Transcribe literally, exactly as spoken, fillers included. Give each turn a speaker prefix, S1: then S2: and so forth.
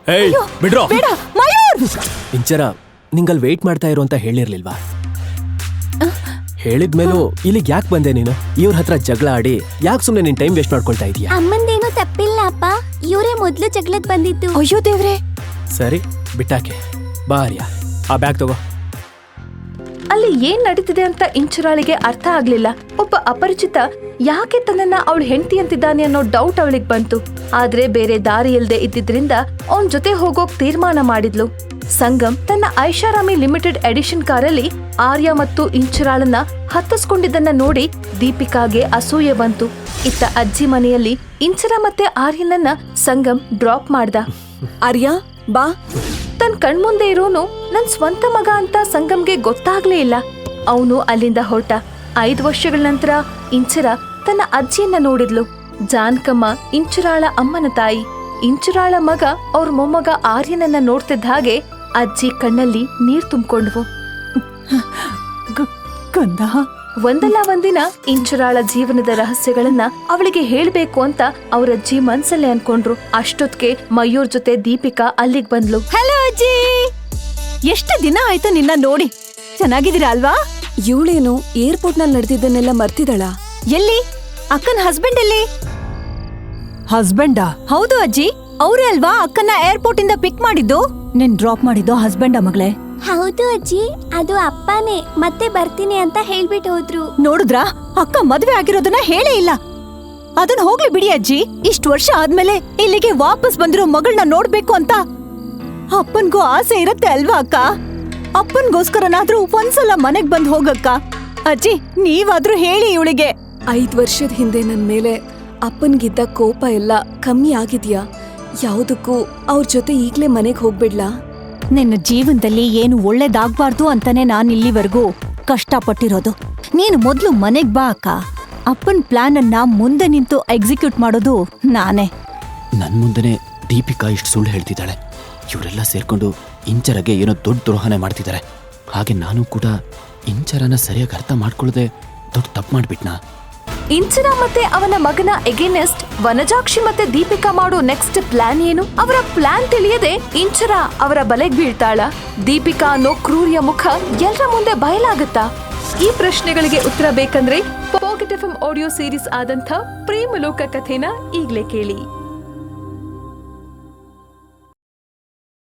S1: ಏಯ್ ಬಿಡ್ರೋ.
S2: ಬೇಡ ಮಯೂರ್.
S1: ಇಂಚರ ನಿಂಗಲ್ ವೇಟ್ ಮಾಡ್ತಾ ಇರು ಅಂತ ಹೇಳಿರ್ಲಿಲ್ವಾ? ಹೇಳಿದ್ಮೇಲೂ ಇಲ್ಲಿಗೆ ಯಾಕೆ ಬಂದೆ ನೀನು? ಇವ್ರ ಹತ್ರ ಜಗಳ ಆಡಿ ಯಾಕೆ ಸುಮ್ನೆ ನಿನ್ ಟೈಮ್ ವೇಸ್ಟ್ ಮಾಡ್ಕೊಳ್ತಾ ಇದೀಯಾ?
S3: ಅಮ್ಮಂದೇನು ತಪ್ಪಿಲ್ಲ ಅಪ್ಪ, ಇವರೇ ಮೊದ್ಲು ಜಗಳಕ್ ಬಂದಿದ್ದು.
S2: ಅಯ್ಯೋ ದೇವ್ರೆ.
S1: ಸರಿ ಬಿಟ್ಟಾಕೆ. ಬಾ ಆರ್ಯ, ಆ ಬ್ಯಾಗ್ ತಗೋ.
S2: ಅಲ್ಲಿ ಏನ್ ನಡೀತಿದೆ ಅಂತ ಇಂಚರಾಳಿಗೆ ಅರ್ಥ ಆಗ್ಲಿಲ್ಲ. ಒಬ್ಬ ಅಪರಿಚಿತ ಯಾಕೆ ತನ್ನನ್ನ ಅವಳ ಹೆಂಡತಿ ಅಂತಿದ್ದಾನೆ ಅನ್ನೋ ಡೌಟ್ ಅವಳಿಗೆ ಬಂತು. ಆದ್ರೆ ಬೇರೆ ದಾರಿ ಇಲ್ದೆ ಇದ್ದಿದ್ರಿಂದ ಅವನ್ ಜೊತೆ ಹೋಗೋಕ್ ತೀರ್ಮಾನ ಮಾಡಿದ್ಲು. ಸಂಗಮ್ ತನ್ನ ಐಷಾರಾಮಿ ಲಿಮಿಟೆಡ್ ಎಡಿಷನ್ ಕಾರಲ್ಲಿ ಆರ್ಯ ಮತ್ತು ಇಂಚರಾಳನ್ನ ಹತ್ತಿಸ್ಕೊಂಡಿದ್ದನ್ನ ನೋಡಿ ದೀಪಿಕಾಗೆ ಅಸೂಯೆ ಬಂತು. ಇತ್ತ ಅಜ್ಜಿ ಮನೆಯಲ್ಲಿ ಇಂಚರ ಮತ್ತೆ ಆರ್ಯನನ್ನ ಸಂಗಮ್ ಡ್ರಾಪ್ ಮಾಡ್ದ.
S4: ಆರ್ಯ ಬಾ.
S2: ತನ್ ಕಣ್ಮುಂದೆ ಇರೋನು ನನ್ ಸ್ವಂತ ಮಗ ಅಂತ ಸಂಗಮ್ಗೆ ಗೊತ್ತಾಗ್ಲೇ ಇಲ್ಲ. ಅವನು ಅಲ್ಲಿಂದ ಹೊರಟ. ಐದು ವರ್ಷಗಳ ನಂತರ ಇಂಚರ ತನ್ನ ಅಜ್ಜಿಯನ್ನ ನೋಡಿದ್ಲು. ಜಾನ್ಕಮ್ಮ ಇಂಚರಾಳ ಅಮ್ಮನ ತಾಯಿ. ಇಂಚರಾಳ ಮಗ ಅವ್ರ ಮೊಮ್ಮಗ ಆರ್ಯನನ್ನ ನೋಡ್ತಿದ್ದ ಹಾಗೆ ಅಜ್ಜಿ ಕಣ್ಣಲ್ಲಿ ನೀರ್ ತುಂಬಿಕೊಂಡ್ವು.
S4: ಕಂದ,
S2: ಒಂದಲ್ಲ ಒಂದಿನ ಇಂಚರಾಳ ಜೀವನದ ರಹಸ್ಯಗಳನ್ನ ಅವಳಿಗೆ ಹೇಳ್ಬೇಕು ಅಂತ ಅವ್ರಜ್ಜಿ ಮನ್ಸಲ್ಲೇ ಅನ್ಕೊಂಡ್ರು. ಅಷ್ಟೊತ್ಗೆ ಮಯೂರ್ ಜೊತೆ ದೀಪಿಕಾ ಅಲ್ಲಿಗ್ ಬಂದ್ಲು.
S4: ಹಲೋ ಅಜ್ಜಿ, ಎಷ್ಟು ದಿನ ಆಯ್ತು ನಿನ್ನ ನೋಡಿ. ಚೆನ್ನಾಗಿದ್ದೀರಾ ಅಲ್ವಾ? ಇವಳೇನು ಏರ್ಪೋರ್ಟ್ ನಲ್ಲಿ ನಡೆದಿದ್ದನ್ನೆಲ್ಲ ಮರ್ತಿದಳ? ಎಲ್ಲಿ ಅಕ್ಕನ ಹಸ್ಬೆಂಡ್ ಎಲ್ಲಿ? ಹಸ್ಬೆಂಡಾ? ಹೌದು ಅಜ್ಜಿ, ಅವ್ರೇ ಅಲ್ವಾ ಅಕ್ಕನ ಏರ್ಪೋರ್ಟ್ ಇಂದ ಪಿಕ್ ಮಾಡಿದ್ದು. ನಿನ್ ಡ್ರಾಪ್ ಮಾಡಿದ್ದು ಹಸ್ಬೆಂಡಾ ಮಗಳೇ?
S3: ಹೌದು ಅಜ್ಜಿ, ಅದು ಅಪ್ಪನೇ. ಮತ್ತೆ ಬರ್ತೀನಿ ಅಂತ ಹೇಳ್ಬಿಟ್ಟು ಹೋದ್ರು.
S4: ನೋಡಿದ್ರಾ, ಅಕ್ಕ ಮದ್ವೆ ಆಗಿರೋದನ್ನ ಹೇಳೇ ಇಲ್ಲ. ಅದನ್ನ ಹೋಗ್ಲಿ ಬಿಡಿ ಅಜ್ಜಿ. ಇಷ್ಟ ವರ್ಷ ಆದ್ಮೇಲೆ ಇಲ್ಲಿಗೆ ವಾಪಸ್ ಬಂದಿರೋ ಮಗಳನ್ನ ನೋಡ್ಬೇಕು ಅಂತ ಅಪ್ಪನ್ಗೂ ಆಸೆ ಇರತ್ತೆ ಅಲ್ವಾ ಅಕ್ಕ? ಅಪ್ಪನ್ಗೋಸ್ಕರನಾದ್ರೂ ಒಂದ್ಸಲ ಮನೆಗ್ ಬಂದ್ ಹೋಗಕ್ಕ. ಅಜ್ಜಿ ನೀವಾದ್ರೂ ಹೇಳಿ ಇವಳಿಗೆ.
S5: ಐದ್ ವರ್ಷದ ಹಿಂದೆ ನನ್ ಮೇಲೆ ಅಪ್ಪನ್ಗಿದ್ದ ಕೋಪ ಎಲ್ಲ ಕಮ್ಮಿ ಆಗಿದ್ಯಾ? ಯಾವ್ದಕ್ಕೂ ಅವ್ರ ಜೊತೆ ಈಗ್ಲೇ ಮನೆಗ್ ಹೋಗ್ಬಿಡ್ಲಾ?
S4: ನಿನ್ನ ಜೀವನದಲ್ಲಿ ಏನು ಒಳ್ಳೇದಾಗ್ಬಾರ್ದು ಅಂತಾನೆ ನಾನ್ ಇಲ್ಲಿವರೆಗೂ ಕಷ್ಟಪಟ್ಟಿರೋದು. ನೀನು ಮೊದ್ಲು ಮನೆಗ್ ಬಾ ಅಕ್ಕ. ಅಪ್ಪನ್ ಪ್ಲಾನ್ ಅನ್ನ ಮುಂದೆ ನಿಂತು ಎಕ್ಸಿಕ್ಯೂಟ್ ಮಾಡೋದು ನಾನೇ.
S6: ನನ್ ಮುಂದೆನೆ ದೀಪಿಕಾ ಇಷ್ಟು ಸುಳ್ಳು ಹೇಳ್ತಿದ್ದಾಳೆ. ಇವರೆಲ್ಲ ಸೇರ್ಕೊಂಡು ಇಂಚರಗೆ ಏನೋ ದೊಡ್ಡ ದ್ರೋಹನೆ ಮಾಡ್ತಿದ್ದಾರೆ. ಹಾಗೆ ನಾನು ಕೂಡ ಇಂಚರನ ಸರಿಯಾಗಿ ಅರ್ಥ ಮಾಡ್ಕೊಳ್ಳದೆ ದೊಡ್ಡ ತಪ್ಪು ಮಾಡ್ಬಿಟ್ನಾ?
S2: ಇಂಚರ ಮತ್ತೆ ಅವನ ಮಗನ ಎಗೇನೆಸ್ಟ್ ವನಜಾಕ್ಷಿ ಮತ್ತೆ ದೀಪಿಕಾ ಮಾಡೋ ನೆಕ್ಸ್ಟ್ ಪ್ಲಾನ್ ಏನು? ಅವರ ಪ್ಲಾನ್ ತಿಳಿಯದೆ ಇಂಚರ ಅವರ ಬಲೆಗ್ ಬೀಳ್ತಾಳ? ದೀಪಿಕಾ ಅನ್ನೋ ಕ್ರೂರಿಯ ಮುಖ ಎಲ್ಲರ ಮುಂದೆ ಬಯಲಾಗುತ್ತಾ? ಈ ಪ್ರಶ್ನೆಗಳಿಗೆ ಉತ್ತರ ಬೇಕಂದ್ರೆ ಪಾಕೆಟ್ ಎಫ್ ಎಂ ಆಡಿಯೋ ಸೀರೀಸ್ ಆದಂಥ ಪ್ರೇಮಲೋಕ ಕಥೆನ ಈಗ್ಲೇ ಕೇಳಿ.